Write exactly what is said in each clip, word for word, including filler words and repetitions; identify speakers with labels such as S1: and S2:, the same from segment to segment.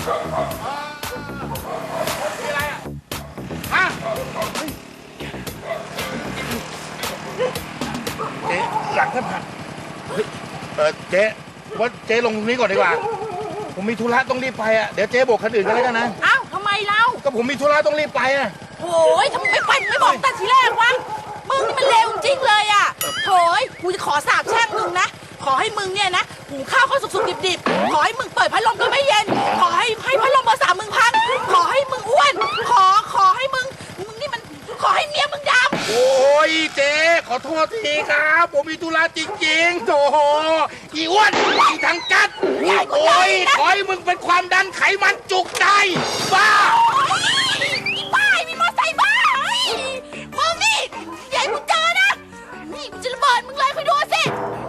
S1: อะไรอ่ะฮะเจ๊หลังท่านผ่านเออเจ๊ว่าเจ๊ลงตรงนี้ก่อนดีกว่าผมมีธุระต้องรีบไปอ่ะเดี๋ยวเจ๊โบกคันอื่นกันแล้วกันนะ
S2: อ้าวทำไมเล่า
S1: ก็ผมมีธุระต้องรีบไปอ่ะ
S2: โอ้ยทำไมไม่ไปไม่บอกแต่ทีแรกวะมึงนี่มันเลวจริงเลยอ่ะโถยกูจะขอสาบแช่งมึงนะขอให้มึงเนี่ยนะหุงข้าวข้าวสุกๆดิบๆขอให้มึงเปิดพัดลมก็ไม่เย็นขอให้ให้พัดลมเบอร์สามมึงพังขอให้มึงอ้วนขอขอให้มึงมึงนี่มันขอให้เมียมึงดำ
S1: โอ้ยเจ๊ขอโทษทีครับผมมีธุระจริงๆโถอีอ้วนอีทางกัดโอ้ยขอให้มึงเป็นความดันไขมันจุกได้บ้า
S2: อีบ้ามีมอไซค์บ้ามึงนี่ใหญ่มึงเจอนะนี่มันจะระเบิดมึงเลยคอยดูสิ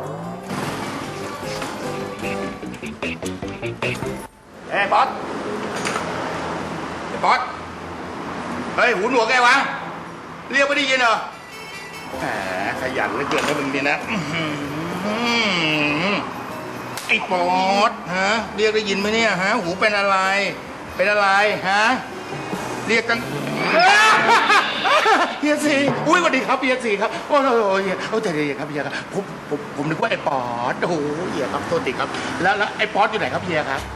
S1: เฮ้ยบอสเฮ้ยบอสเฮ้ยหูหนวกไงวะเรียกไม่ได้ยินเหรอแหมขยันเหลือเกินนะมึงเนี่ยนะไอ้บอสฮะเรียกได้ยินไหมเนี่ยฮะหูเป็นอะไรเป็นอะไรฮะเรียกกันเฮียสีอุ้ยสวัสดีครับเฮียสีครับโอ้โหเฮียโอ้ใจเย็นครับเฮียครับผมผมผมนึกว่าไอ้ปอดโอ้โหเฮียครับโทษทีครับแล้วแล้วไอ้ปอดอยู่ไหนครับเฮียครับ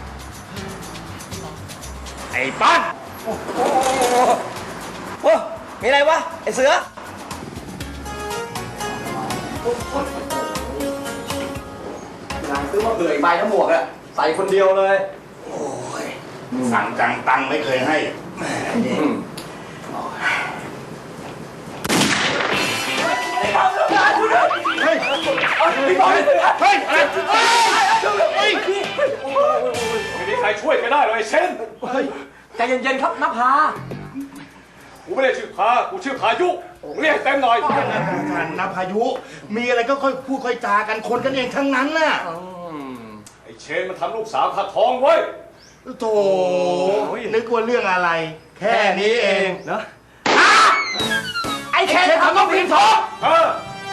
S1: ไอ้ป๊อด
S3: โอ้โหมีอะไรวะไอ้เสือสั่งซื้อมาเผื่ออีกใบทั้งหมวกอะใส่คนเดียวเลย
S1: โอ้ยสั่งจังตังไม่เคยให้
S3: ไอ้ความต้องการคุณเฮ้ยพี่บอลเฮ้ยอะไรเฮ้ย
S4: ไม่มีใครช่วยกันได้เลยเช่น
S3: ใจเย็นๆครับนภา
S4: กูไม่ได้ชื่อพากูชื่อพายุเรียกเต็มหน่อย
S1: ท่านนภายุมีอะไรก็ค่อยพูดค่อยจากันคนกันเองทั้งนั้นน่ะ
S4: ไอ้เชนมันทำลูกสาวข้าท้องไว้
S1: โธ่นึกว่าเรื่องอะไรแค่นี้เอง
S3: เนาะไอ้เชนทำต้องพิมพ์ท้อง
S4: เออ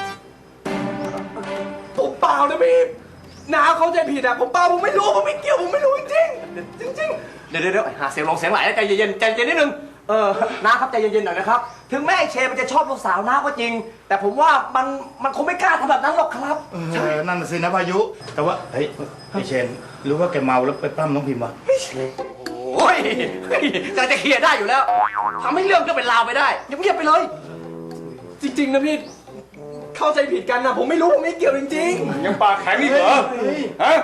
S3: ผมเปล่านะพี่น้าเขาใจผิดอะผมเปล่าผมไม่รู้ผมไม่เกี่ยวผมไม่รู้จริงจริงจริงเดี๋ยวเดี๋ยวหาเสียงลงเสียงไหลใจเย็นใจเย็นนิดนึงเออน้าครับใจเย็นๆหน่อยนะครับถึงแม่เชนมันจะชอบลูกสาวน้าก็จริงแต่ผมว่ามันมันคงไม่กล้าทำแบบนั้นหรอกครับ
S1: เออนั่นสินะพายุแต่ว่าเฮ้ยไอเชนรู้ว่าแกเมาแล้วไปปล้ำน้องพิมพ์วะ
S3: โอ้ยจะจะเคลียร์ได้อยู่แล้วทำให้เรื่องก็เป็นราวไปได้เงียบๆไปเลยจริงๆนะพี่เข้าใจผิดกันนะผมไม่รู้ผมไม่เกี่ยวจริง
S4: ๆยังปากแข็งนี่เหรอฮะ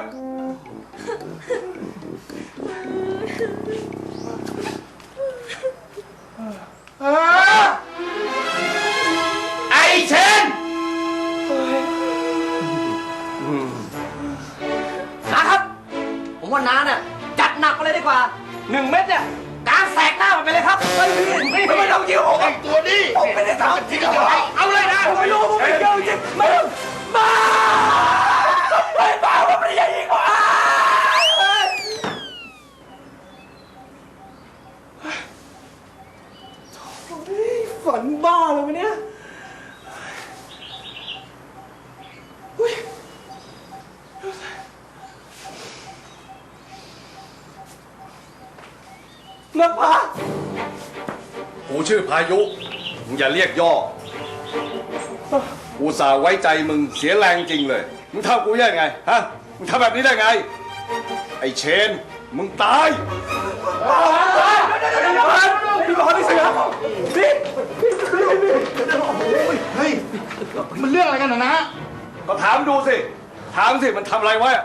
S1: ไอเชน
S3: น้าครับผมว่าน้าเนี่ยจัดหนักไปเลยดีกว่าหนึ่งเม็ดเนี่ยกางแสกหน้ามันไปเลยครับไม่ไม่ไม่ต้องยิ้วผม
S1: ไอตัวนี้
S3: ผมไม่ได้ทำจริงๆ
S1: เอาเลยนะ
S3: ผมไม่รู้ผมไม่เกี่ยวจริงไม่ต้องมาไม่บ้าว่าไม่ใช่ยิงวะฝันบ้าเลยวะเนี่ยนักพา
S4: กูชื่อพายุมึงอย่าเรียกย่อกูสาไว้ใจมึงเสียแรงจริงเลยมึงทำกูยังไงฮะมึงทำแบบนี้ได้ไงไอ้เชนมึงตาย
S3: พี่บอลพี่เสือพี่
S1: เฮ้ยมันเรื่องอะไรกันนะนะ
S4: ก็ถามดูสิถามสิมันทำอะไรไว้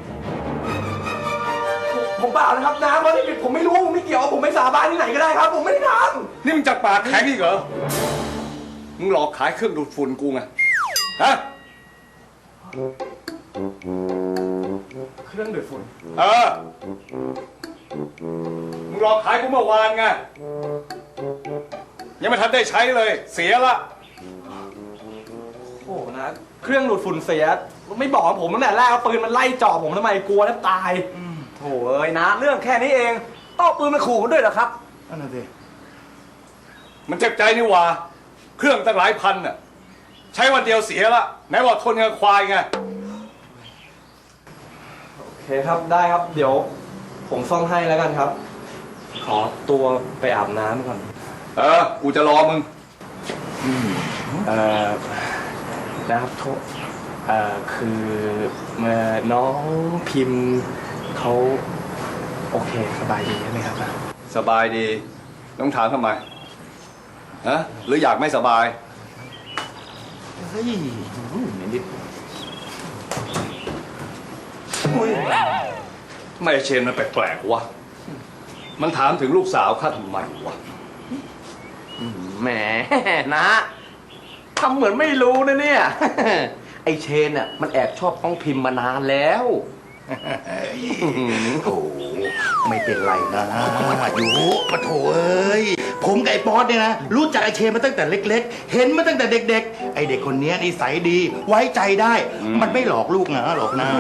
S3: ผมเปล่านะครับน้ำมันนี่ผมไม่รู้ผมไม่เกี่ยวผมไม่สาบานที่ไหนก็ได้ครับผมไม่ได้ท
S4: ำนี่มึงจัดปากแข็งอีกเหรอมึงหลอกขายเครื่องดูดฝุ่นกูไงฮะ
S3: เครื่องดูดฝุ่น
S4: เออมึงหลอกขายกูเมื่อวานไงยังไม่ทันได้ใช้เลยเสียละ
S3: โอ้นะเครื่องดูดฝุ่นเสียไม่บอกผมตั้งแต่แรกเอาปืนมันไล่จ่อผมทำไมกลัวแทบตายโถ่เอ้ยนะเรื่องแค่นี้เองต้องปืนมาขู่กันด้วยเหรอครับ
S1: นั่นน่ะสิ
S4: มันเจ็บใจนี่หว่าเครื่องตั้งหลายพันน่ะใช้วันเดียวเสียละไหนบอกทนกับควายไง
S3: โอเคครับได้ครับเดี๋ยวผมซ่อมให้แล้วกันครับ ขอตัวไปอาบน้ำก่อน
S4: เออ กูจะรอมึง
S3: เอ่อนะครับโทษเอ่อคือเมื่อน้องพิมพ์เขาโอเคสบายดีใช่ไหมครับ
S4: สบายดี ต้องถามทำไม ฮะ หรืออยากไม่สบาย
S1: เฮ้ยนิด
S4: ทำไมไอ้เชนมันแปลกๆวะ มันถามถึงลูกสาวข้าทำไมวะ
S3: แหมนะทำเหมือนไม่รู้นะเนี่ย ไอเชนอ่ะมันแอบชอบน้องพิมพ์มานานแล้ว
S1: โอ้ไม่เป็นไรนะอยู่ปะโถเอ้ยผมกับไอ้ป๊อตเนี่ยนะรู้จักไอ้เชนมาตั้งแต่เล็กๆ เห็นมาตั้งแต่เด็กๆ ไอ้เด็กคนนี้นิสัยดี ไว้ใจได้ มันไม่หลอกลูกนะหรอกนะ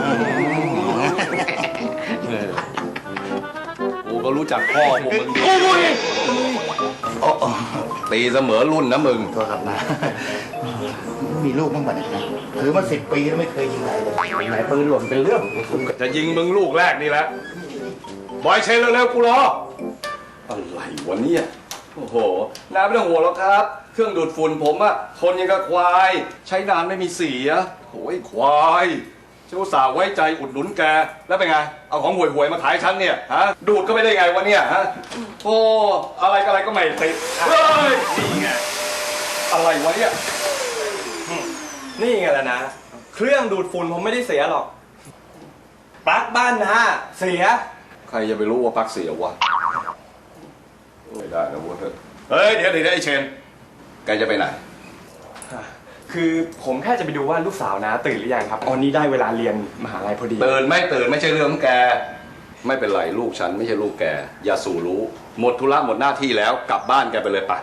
S4: กูก็รู้จักพ่อพวกมึงดี
S1: โอ้ยโอ้โอ้
S4: ตีเสมอรุ่นนะมึง
S1: โทษครับนะ มีลูกบ้างป่ะเนี่ยนะถือมาสิบปีแล้วไม่เคยยิงใครเลยไหนปืนหล่นเป็นเรื่อง
S4: จะยิงมึงลูกแรกนี่แหละ บอยเชนเร็วๆกูรอ อะไรวะเนี่ยโอ้โห น้าไม่ต้องห่วงหรอกครับ เครื่องดูดฝุ่นผมอะทนยังกับควาย ใช้นานไม่มีเสียโอ้ยควายเจ้าสาวไว้ใจอุดหนุนแก แล้วเป็นไง เอาของห่วยๆมาขายฉันเนี่ย ฮะ ดูดก็ไม่ได้ไงวะเนี่ยฮะ โอ้อะไรก็อะไรก็ไม่ติดเฮ้ย นี่ไง อะไรวะเนี่ย
S3: นี่ไงล่ะนะ เครื่องดูดฝุ่นผมไม่ได้เสียหรอก ปลั๊กบ้านนะเสีย
S4: ใครจะไปรู้ว่าปลั๊กเสียวะไม่ได้นะเว้ยเฮ้ย เดี๋ยวเดี๋ยวไอ้เชน แกจะไปไหน
S3: คือผมแค่จะไปดูว่าลูกสาวนะตื่นหรือยังครับตอนนี้ได้เวลาเรียนมหาลัยพอดี
S4: ตื่นไม่ตื่นไม่ใช่เรื่องของแก ไม่เป็นไรลูกฉันไม่ใช่ลูกแก อย่าสู่รู้ หมดธุระหมดหน้าที่แล้วกลับบ้านแกไปเลยไป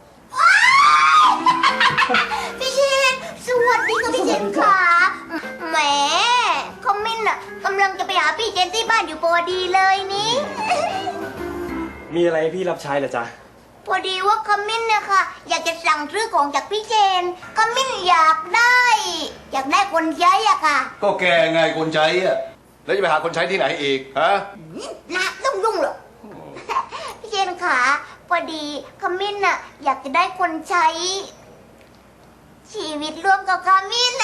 S5: พี่เชนสวัสดีค่ะพี่เชนค่ะแหมคอมมินอ่ะกำลังจะไปหาพี่เจนที่บ้านอยู่พอดีเลยนี่
S3: มีอะไรให้พี่รับใช้เหรอจ๊ะ
S5: พอดีว่าคอมมินเนี่ยค่ะ อยากจะสั่งซื้อของจากพี่เจนคอมมินอยากได้ อยากได้คนใช้อะค่ะ
S4: ก็แกไงคนใช้อะแล้วจะไปหาคนใช้ที่ไหนอีกฮะ
S5: นะต้องยุ่งเหรอ พี่เจนค่ะพอดีคอมมินอ่ะอยากจะได้คนใช้ ชีวิตร่วมกับคอมมินนะ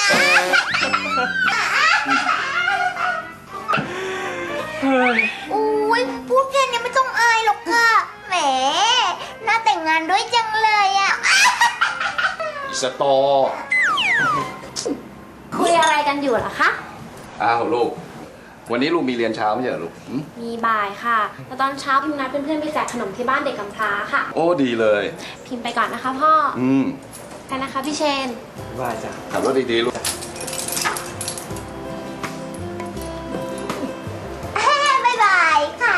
S5: อุ้ยพูดแค่นี้ไม่ต้องอายหรอกค่ะ แหม น่าแต่งงานด้วยจังเลยอ่ะ
S4: อีสตอ
S6: คุยอะไรกันอยู่เหรอคะ
S4: อ้าวลูก วันนี้ลูกมีเรียนเช้าไม่ใช่เหรอลูกหึ
S6: มีบ่ายค่ะแล้วตอนเช้าพิมพ์นัดเพื่อนๆไปแจกขนมที่บ้านเด็กกำพร้าค่ะ
S4: โอ้ดีเลย
S6: พิมพ์ไปก่อนนะคะพ่อ
S4: อืม
S6: กันนะคะพี่เชน
S3: ว่าจ้ะ
S4: ขับรถดีๆลูก
S5: บ๊ายบายค่ะ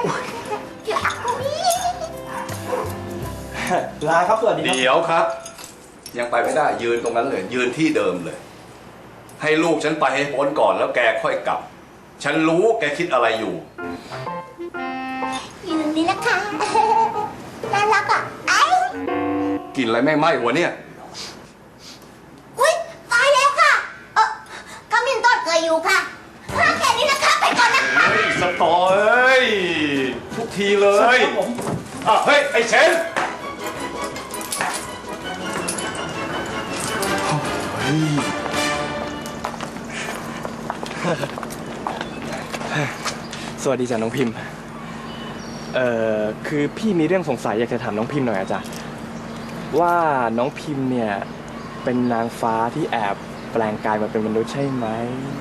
S3: ลาครับสวัสดีครับ
S4: เดี๋ยวครับ ยังไปไม่ได้ยืนตรงนั้นเลย ยืนที่เดิมเลย ให้ลูกฉันไปให้พ้นก่อนแล้วแกค่อยกลับ ฉันรู้แกคิดอะไรอยู่
S5: อยู่นี่นะคะ น่ารักอ่ะไอ้
S4: กินอะไรไม่ไหม้หัวเนี่ย
S5: อุ้ยตายแล้วค่ะ เออคอมมินต้นเคยอยู่ค่ะแค่นี้นะคะไปก่อนนะคะ
S4: เฮ้ยสตอเอ้ยทุกทีเลยอ่ะเฮ้ย ไอ้เชน
S3: สวัสดีจ้ะน้องพิมพ์ เอ่อคือพี่มีเรื่องสงสัยอยากจะถามน้องพิมพ์หน่อยอะจ๊ะว่าน้องพิมพ์เนี่ยเป็นนางฟ้าที่แอบแปลงกายมาเป็นมนุษย์ใช่ไหม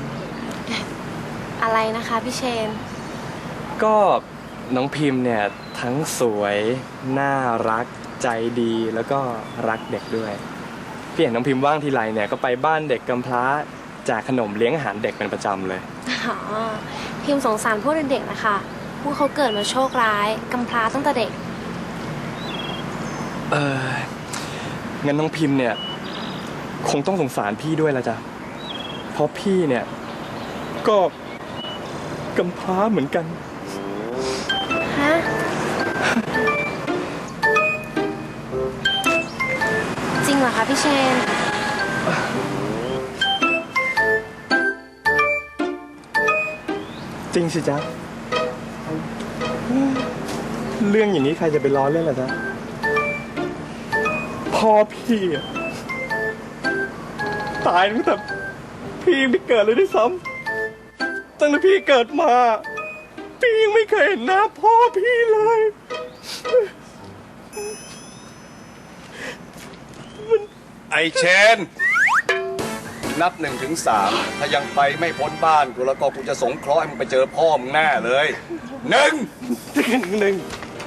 S6: อะไรนะคะพี่เชน
S3: ก็น้องพิมพ์เนี่ยทั้งสวยน่ารักใจดีแล้วก็รักเด็กด้วยพี่เห็นน้องพิมพ์ว่างทีไรเนี่ยก็ไปบ้านเด็กกำพร้าแจกขนมเลี้ยงอาหารเด็กเป็นประจำเลย
S6: อ๋อ พิมพ์สงสารพวกเด็กๆนะคะ พวกเขาเกิดมาโชคร้ายกำพร้าตั้งแต่เด็ก
S3: เอองั้นน้องพิมพ์เนี่ยคงต้องสงสารพี่ด้วยละจ้ะเพราะพี่เนี่ยก็กำพร้าเหมือนกัน
S6: ฮะ จริงเหรอคะพี่เชน
S3: จริงสิจ๊ะเรื่องอย่างนี้ใครจะไปล้อเล่นล่ะจ๊ะพ่อพี่อะตายตั้งแต่พี่ยังไม่เกิดเลยด้วยซ้ำตั้งแต่พี่เกิดมา พี่ยังไม่เคยเห็นหน้าพ่อพี่เลย
S4: ไอเชน นับหนึ่งถึงสามถ้ายังไปไม่พ้นบ้านกูแล้วก็กูจะสงเคราะห์ให้มึงไปเจอพ่อมึงแน่เลยหนึ่ง
S3: หนึ่ง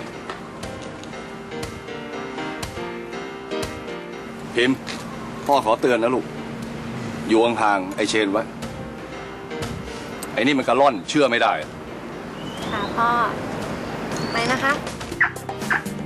S4: พิมพ์พ่อขอเตือนนะลูก อยู่ห่างๆไอเชนไว้ ไอนี่มันกระล่อนเชื่อไม่ได้
S6: ค่ะพ่อ ไปนะคะ